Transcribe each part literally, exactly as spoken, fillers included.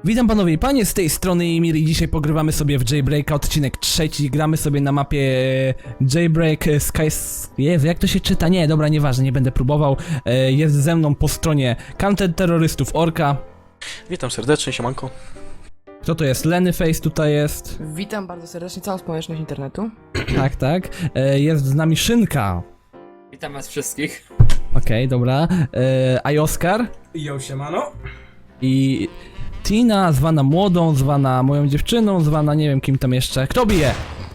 Witam panowie i panie, z tej strony Emir i dzisiaj pogrywamy sobie w Jailbreaka, odcinek trzeci. Gramy sobie na mapie Jailbreak Sky... Jezu, jak to się czyta? Nie, dobra, nieważne, nie będę próbował. Jest ze mną po stronie counterterrorystów Orka. Witam serdecznie, siemanko. Kto to jest? Lennyface tutaj jest. Witam bardzo serdecznie całą społeczność internetu. Tak, tak. Jest z nami Szynka. Witam was wszystkich. Okej, okay, dobra. A i Oskar. Jo, siemano. I Tina, zwana młodą, zwana moją dziewczyną, zwana nie wiem kim tam jeszcze. Kto bije?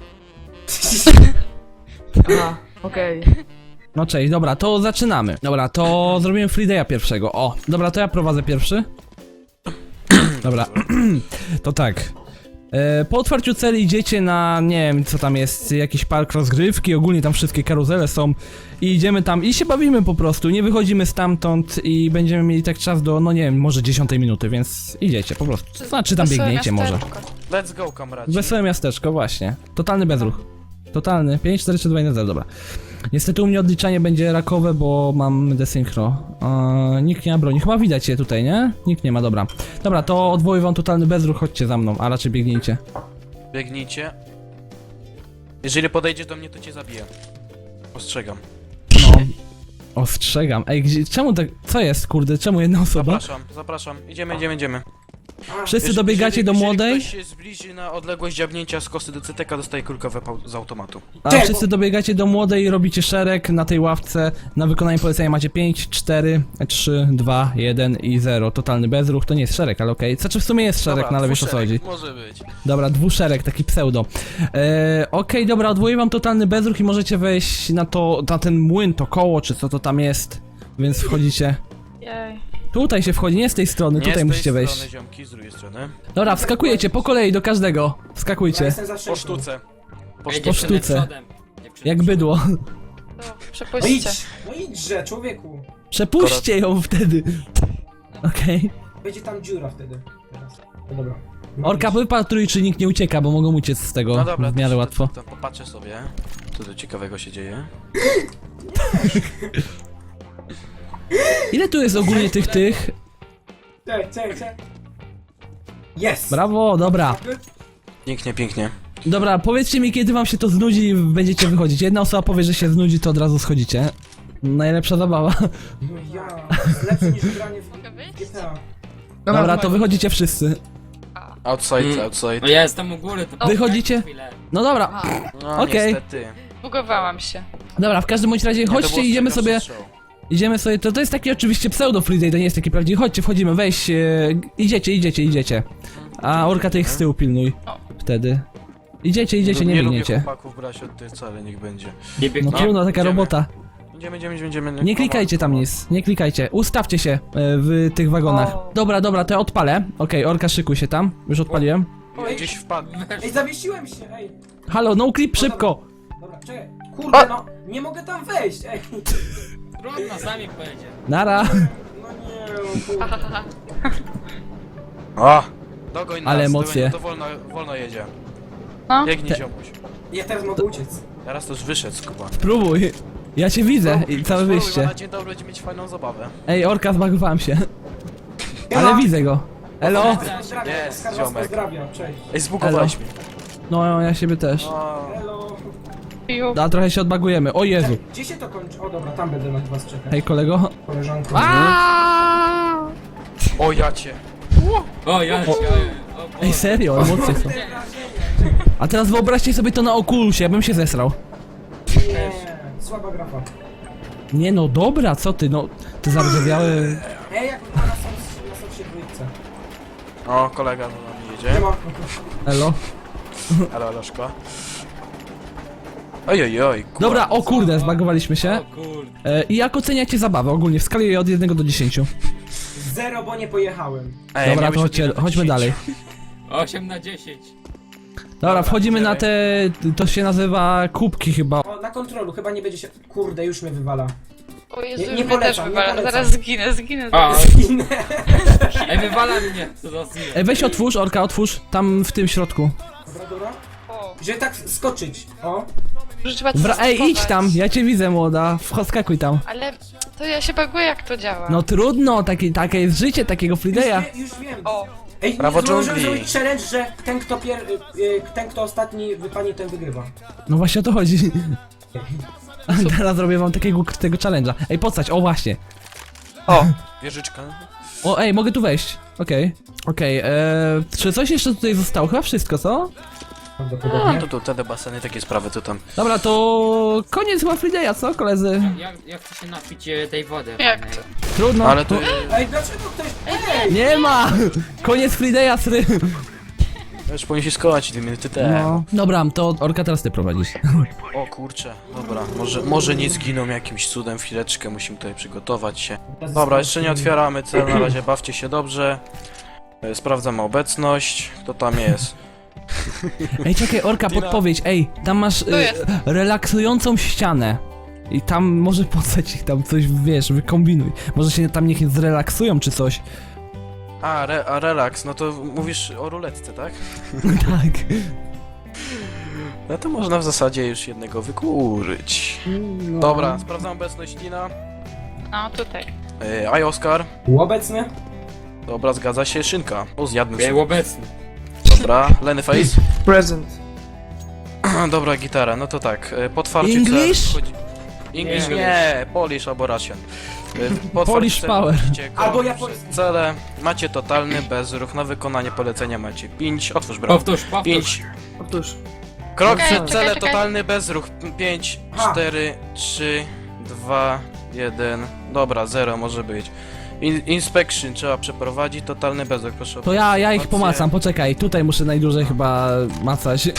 Aha, okej. No cześć, dobra, to zaczynamy. Dobra, to zrobimy Freeday'a pierwszego. O, dobra, to ja prowadzę pierwszy. Dobra, to tak. E, po otwarciu celi idziecie na, nie wiem co tam jest, jakiś park rozgrywki, ogólnie tam wszystkie karuzele są. I idziemy tam i się bawimy po prostu, nie wychodzimy stamtąd i będziemy mieli tak czas do, no nie wiem, może dziesiątej minuty, więc idziecie po prostu. Znaczy tam biegniecie może. Let's go, kamraci. Wesołe miasteczko, właśnie. Totalny bezruch. Totalny. pięć, cztery, trzy, dwa, jeden, zero, dobra. Niestety u mnie odliczanie będzie rakowe, bo mam desynchro. Eee, nikt nie ma broni. Chyba widać je tutaj, nie? Nikt nie ma, dobra. Dobra, to odwołuję wam totalny bezruch, chodźcie za mną, a raczej biegnijcie. Biegnijcie. Jeżeli podejdziesz do mnie, to cię zabiję. Ostrzegam. No. Ostrzegam. Ej, gdzie, czemu tak, co jest, kurde, czemu jedna osoba? Zapraszam, zapraszam. Idziemy, idziemy, idziemy. Wszyscy Jeżeli- dobiegacie jeżeli- do młodej, Jeżeli ktoś się zbliży na odległość dziabnięcia z kosy do C T K, dostaje kulkę w z automatu. a wszyscy dobiegacie do młodej i robicie szereg na tej ławce. Na wykonanie polecenia macie pięć, cztery, trzy, dwa, jeden i zero. Totalny bezruch, to nie jest szereg, ale okej. Znaczy w sumie jest szereg, Dobra, no ale wiesz o co dwuszereg, chodzi. może być. Dobra, dwuszereg, taki pseudo. Eee, Okej, dobra, odwołuję wam totalny bezruch i możecie wejść na to, na ten młyn, to koło, czy co to tam jest. Więc wchodzicie. Jej. Tutaj się wchodzi, nie z tej strony, Nie tutaj z tej musicie strony, wejść. ziomki, z drugiej strony. Dobra, wskakujecie po kolei do każdego. Ja Wskakujcie. jestem za Po sześciu. sztuce. Po Ej, sztuce. dziewczyny sztuce. przodem. Dziewczyny Jak przodem. bydło. To No przepuśćcie. idź, no idźże, człowieku. Przepuśćcie ją wtedy. Okej. Będzie tam dziura wtedy. Teraz. No dobra. No Orka, idź. wypatruj, czy nikt nie ucieka, bo mogą uciec z tego No dobra, w miarę to, łatwo. To, to, popatrzę sobie, co tu ciekawego się dzieje. Ile tu jest ogólnie tych, tych? Czekaj, czekaj, czekaj. Jest! Brawo, dobra. Pięknie, pięknie. Dobra, powiedzcie mi, kiedy wam się to znudzi i będziecie wychodzić. Jedna osoba powie, że się znudzi, to od razu schodzicie. Najlepsza zabawa. No ja, lepsze niż granie w Mogę wyjść? G T A. Dobra, to wychodzicie wszyscy. Outside, Mm. outside. No ja jestem u góry, to Wychodzicie? chwilę. No dobra, No, Okej. niestety. Bugowałam się. dobra, w każdym bądź razie Nie, to chodźcie, było idziemy ostrzegawczy sobie, strzał. idziemy sobie, to, to jest taki oczywiście pseudo Friday, to nie jest taki prawdziwy, chodźcie, wchodzimy, weź, e, idziecie, idziecie, idziecie. A Orka ty ich z tyłu pilnuj, wtedy. Idziecie, idziecie, nie nie lubię biegniecie. chłopaków brać od tej wcale, niech będzie. Nie No biegnie. trudno, taka idziemy. robota. Idziemy, idziemy, idziemy, idziemy. Nie klikajcie tam nic, nie klikajcie, ustawcie się e, w tych wagonach. O. Dobra, dobra, to ja odpalę. Okej, Orka, szykuj się tam, już odpaliłem. Oj, gdzieś wpadł. Ej, zawiesiłem się, ej. Halo, no clip, szybko! Dobra, czekaj. Kurde, no, nie mogę tam wejść, ej. Trudno, sami pojedzie. Nara! No nie, no kurde. O! Dogoń nas, Ale emocje. dogoń, to wolno, wolno jedzie. No. Biegnij, Te- ziomuś. Ja teraz mogę uciec. Teraz to już wyszedł, skuba. Spróbuj. Ja cię widzę i całe Spróbuj, bo wyjście. na dzień dobry będzie mieć fajną zabawę. Ej, Orka, zbagowałem się. Ja Ale mam- widzę go. Elo? Pozdrawiam, Jest, Oskar was ziomek. pozdrawiam, cześć. Ej, zbugowałeś mnie. No, ja siebie też. O, Hello. Piu. A trochę się odbagujemy. O Jezu. Gdzie się to kończy? O dobra, tam będę na was czekać. Hej, kolego. Koleżanko. o ja cię. O, ja cię. Ej, serio, emocje są. A teraz wyobraźcie sobie to na Oculusie, ja bym się zesrał. Nie, słaba grafa. Nie no, dobra, co ty, no. Ty zardzewiały... Ej, jak na nas są, na są się dwójce. O, kolega do nami Nie jedzie. ma. Elo. Ale Aloszko. Oj, oj, oj. kurwa. Dobra, o kurde, zbagowaliśmy się. O kurde. E, I jak oceniacie zabawę ogólnie w skali od jednego do dziesięciu? Zero, bo nie pojechałem. Ej, Dobra, miałeś to od chodźcie, jeden do chodźmy dalej. dziesięciu. osiem na dziesięć. Dobra, wchodzimy na idziemy. te... to się nazywa kubki chyba. O, na kontrolu, chyba nie będzie się... Kurde, już mnie wywala. O Jezu, Nie- nie mnie też polecam, nie wywala. polecam. Zaraz zginę, zginę. A, Zginę. ej, wywala mnie. Co za zje. Ej, weź otwórz, Orka, otwórz, tam w tym środku. Dobra, dobra. O, Żeby tak skoczyć. O. że trzeba Wra Ej, idź zastosować. tam, ja cię widzę, młoda, wskakuj tam. Ale to ja się baguję, jak to działa. No trudno, takie, takie jest życie takiego Już, Friday'a. wie, już wiem. O, Ej, Prawo możemy dżungli. zrobić challenge, że ten kto, pier... y, y, ten kto ostatni wypadnie, ten wygrywa. No właśnie o to chodzi. Teraz zrobię wam takiego tego challenge'a. Ej, postać, o właśnie. O, wieżyczka. O, ej, mogę tu wejść. Okej. Okej, eee, czy coś jeszcze tutaj zostało? Chyba wszystko, co? No Prawdopodobnie. to tu, te baseny, takie sprawy, to tam. Dobra, to koniec chyba Freeday'a, co koledzy? Jak, jak chcę się napić e, tej wody? Jak fajnej? to? Trudno. Ale to... Ej, dlaczego ktoś... Ej! Nie ma! Koniec Freeday'a, sry. Już powinien się skołać dwie minuty temu. No. Dobra, to Orka teraz ty prowadzisz. O kurczę, dobra, może, może nie zginą jakimś cudem, chwileczkę, musimy tutaj przygotować się. Dobra, jeszcze nie otwieramy cel, na razie bawcie się dobrze. E, Sprawdzamy obecność, kto tam jest. Ej, czekaj, Orka, Dina. podpowiedź. Ej, tam masz Tu y, jest. relaksującą ścianę. I tam może postać ich tam coś, wiesz, wykombinuj. Może się tam niech zrelaksują czy coś. A, re, a relaks, no to mówisz o ruletce, tak? Tak. No to można w zasadzie już jednego wykurzyć. Dobra, sprawdzam obecność Dina. No tutaj. E, Aj Oskar. Obecny? Dobra, zgadza się, Szynka. O, zjadłem Był sobie. obecny. Dobra, Lenny Face. Present. Dobra, gitara, no to tak, e, po otwarciu English? cel wchodzi... English Nie. nie, Polish albo Russian. E, Po otwarciu Polish celu power. wchodzicie Albo koło japoński. przez cele, macie totalny bezruch, na wykonanie polecenia macie pięć, otwórz bramę. Powtórz, powtórz. pięć. Otóż. Krok Czekaj, przed czekaj, cele, czekaj. totalny bezruch. pięć, Ha. cztery, trzy, dwa, jeden. Dobra, zero może być. In inspection trzeba przeprowadzić, totalny bezruch, proszę. To ja, ja ich obserwację. pomacam, poczekaj. Tutaj muszę najdłużej chyba macać.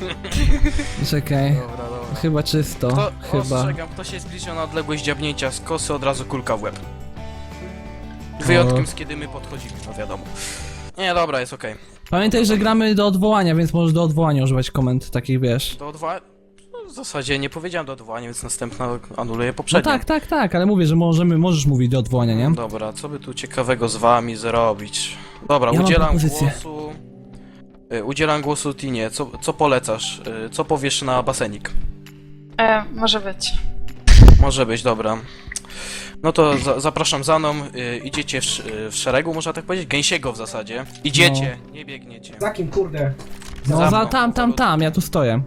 Czekaj. Dobra, dobra. Chyba czysto. Kto, Chyba. ostrzegam, kto się zbliża na odległość dziabnięcia z kosy, od razu kulka w łeb. Wyjątkiem z kiedy my podchodzimy, no wiadomo. Nie, dobra, jest okej. Pamiętaj, że gramy do odwołania, więc możesz do odwołania używać komend takich, wiesz. Do odwołania... No, w zasadzie nie powiedziałem do odwołania, więc następna anuluje No poprzednią. tak, tak, tak, ale mówię, że możemy, możesz mówić do odwołania, nie? Dobra, co by tu ciekawego z wami zrobić? Dobra, Ja mam udzielam propozycję. głosu... Y, Udzielam głosu Tinie, co, co polecasz? Y, Co powiesz na basenik? E, może być. Może być, dobra. No to za, zapraszam za mną, y, idziecie w, sz- y, w szeregu, można tak powiedzieć? Gęsiego w zasadzie. Idziecie, nie biegniecie. Za kim, kurde? No Za za mną. tam, tam, tam, ja tu stoję.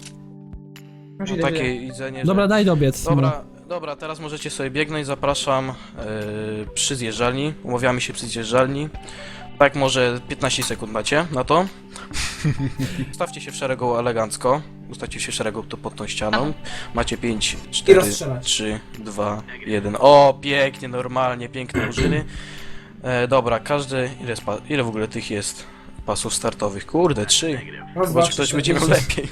Już No, idę, takie idę. idzenie, że... Dobra, daj dobiec. Dobra, dobra, teraz możecie sobie biegnąć, zapraszam yy, przy zjeżdżalni, umawiamy się przy zjeżdżalni. Tak, może piętnaście sekund macie na to. Ustawcie się w szeregu elegancko, ustawcie się w szeregu tu pod tą ścianą. Macie pięć, cztery, rozstrzelać. trzy, dwa, jeden. O, pięknie, normalnie, piękne użyny. E, dobra, każdy, ile, jest pa- ile w ogóle tych jest pasów startowych? Kurde, trzy. Raz, dwa, Może trzy, ktoś cztery, będzie miał pięć. lepiej.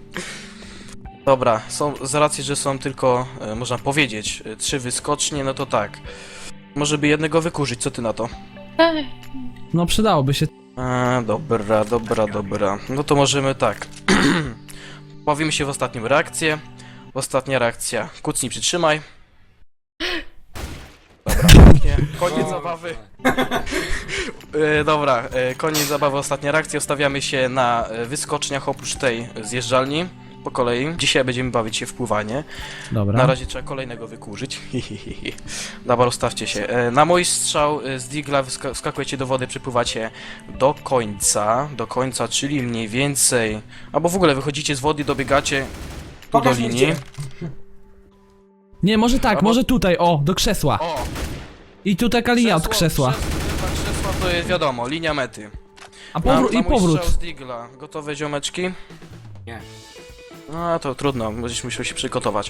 Dobra, są, z racji, że są tylko, e, można powiedzieć, e, trzy wyskocznie, no to tak. Może by jednego wykurzyć, co ty na to? Ej, No przydałoby się. E, dobra, dobra, dobra. No to możemy tak. Bawimy się w ostatnią reakcję. Ostatnia reakcja. Kucnij, przytrzymaj. Dobra, pięknie. Koniec zabawy. E, dobra, e, koniec zabawy, ostatnia reakcja. Ustawiamy się na e, wyskoczniach oprócz tej zjeżdżalni. Po kolei. Dzisiaj będziemy bawić się w pływanie. Dobra. Na razie trzeba kolejnego wykurzyć. Dobra, ustawcie się. E, Na mój strzał e, z digla wska- wskakujecie do wody, przypływacie do końca. Do końca, czyli mniej więcej... Albo w ogóle wychodzicie z wody i dobiegacie tu do Pokaż mi linii. gdzie. Nie, może tak, Albo- może tutaj, o, do krzesła. O! I tu taka linia od krzesła. Krzesło, krzesła to jest wiadomo, linia mety. A Na, powrót na i mój powrót. strzał z digla. Gotowe, ziomeczki? Nie. No to trudno, będziesz musiał się przygotować.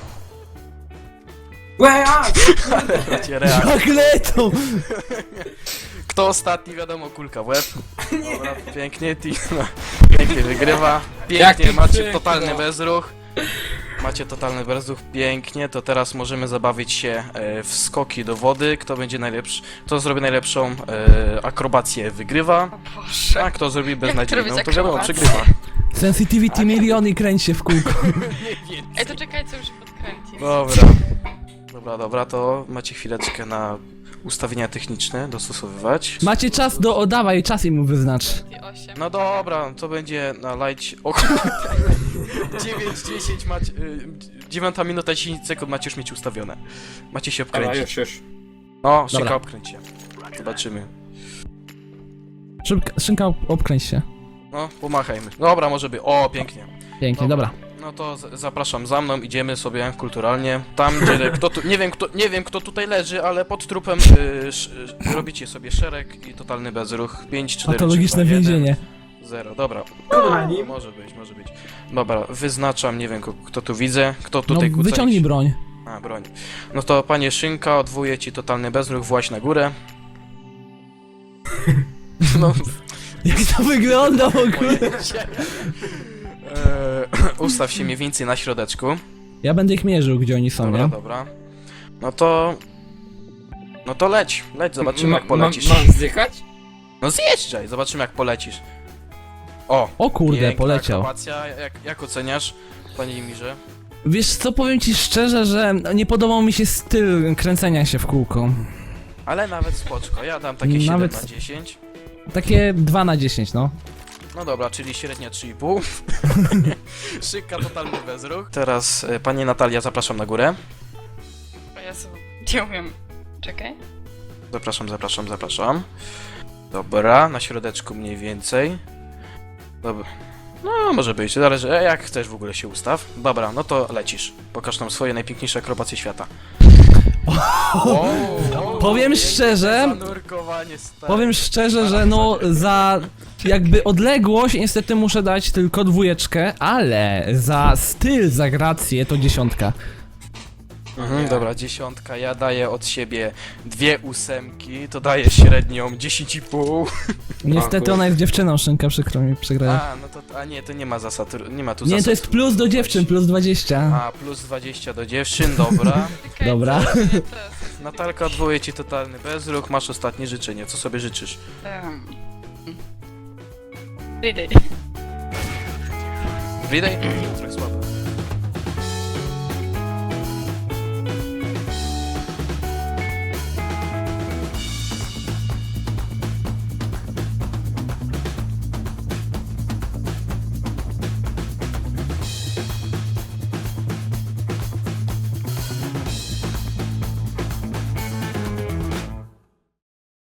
Łe, a! Bracie, reakcja. Magneto! Kto ostatni, wiadomo, kulka w łeb. Dobra, pięknie, Tina. Pięknie wygrywa. Pięknie, Jaki macie przykro. totalny bezruch. Macie totalny bezruch, pięknie. To teraz możemy zabawić się e, w skoki do wody. Kto będzie najlepszy, kto zrobi najlepszą e, akrobację, wygrywa. o Boże. A kto zrobi Jak to beznadziejną, robić to wiadomo, akrobację? przegrywa. Sensitivity milion i kręć się w kółko. Ej, to czekaj, co już podkręcić. Dobra. Dobra, dobra, to macie chwileczkę na ustawienia techniczne dostosowywać. Macie czas do, o, dawaj, czas im wyznacz. I osiem. No dobra, to będzie na light. O dziewięć, dziesięć macie. Y, dziewiąta minuta, dziesięć sekund macie już mieć ustawione. Macie się Dobra, obkręcić. już, już. No, szybko Dobra. obkręć się. Zobaczymy. Szybka, szynka, ob- obkręć się. No, pomachajmy. Dobra, może by. O, pięknie. Pięknie, dobra. No to z- zapraszam za mną, idziemy sobie kulturalnie. Tam, gdzie kto tu, nie wiem kto, nie wiem kto tutaj leży, ale pod trupem y, sz, y, robicie sobie szereg i totalny bezruch. pięć, cztery, Patologiczne trzy, dwa, jeden, więzienie. zero. Dobra. Kochani. Może być, może być. Dobra, wyznaczam, nie wiem ko- kto tu widzę, kto No tutaj kuca wyciągnij iść. broń. A, broń. No to panie Szynka, odwołuję ci totalny bezruch, właź na górę. No, Jak to wygląda w ogóle? eee, ustaw się mniej więcej na środeczku. Ja będę ich mierzył, gdzie oni są, Dobra, nie? dobra. No to... No to leć, leć, zobaczymy Ma- jak polecisz. Mam, mam zdychać? No zjeżdżaj, zobaczymy jak polecisz. O, O kurde, piękna poleciał. akrobacja. Jak, jak oceniasz, panie Imirze? Wiesz co, powiem ci szczerze, że nie podobał mi się styl kręcenia się w kółko. Ale nawet spoczko, ja dam takie siedem Nawet- na dziesięć. Takie dwa na dziesięć, no. No dobra, czyli średnia trzy i pół. Szyka, totalny bezruch. Teraz, e, pani Natalia, zapraszam na górę. O Jezu, nie umiem. Czekaj. Zapraszam, zapraszam, zapraszam. Dobra, na środeczku mniej więcej. Dobra. No, może być, zależy, e, jak chcesz w ogóle się ustaw. Dobra, no to lecisz. Pokaż nam swoje najpiękniejsze akrobacje świata. Wow, wow, Powiem piękne szczerze- zanurkowanie, stary. Powiem szczerze, że no za jakby odległość niestety muszę dać tylko dwójeczkę, ale za styl, za grację to dziesiątka. Mhm, dobra, dziesiątka, ja daję od siebie dwie ósemki, to daje średnią dziesięć i pół. Niestety ona jest dziewczyną, Szynka, przykro mi przegrałem. A, no to, a nie, to nie ma zasad, nie ma tu Nie, zasad. to jest plus do dziewczyn, plus dwadzieścia. A, plus dwadzieścia do dziewczyn, dobra. Czekaj, Dobra. to nie teraz. Natalka, odwołuję ci totalny bezruch, masz ostatnie życzenie, co sobie życzysz? Um. Friday. Widaj? Trochę słabo.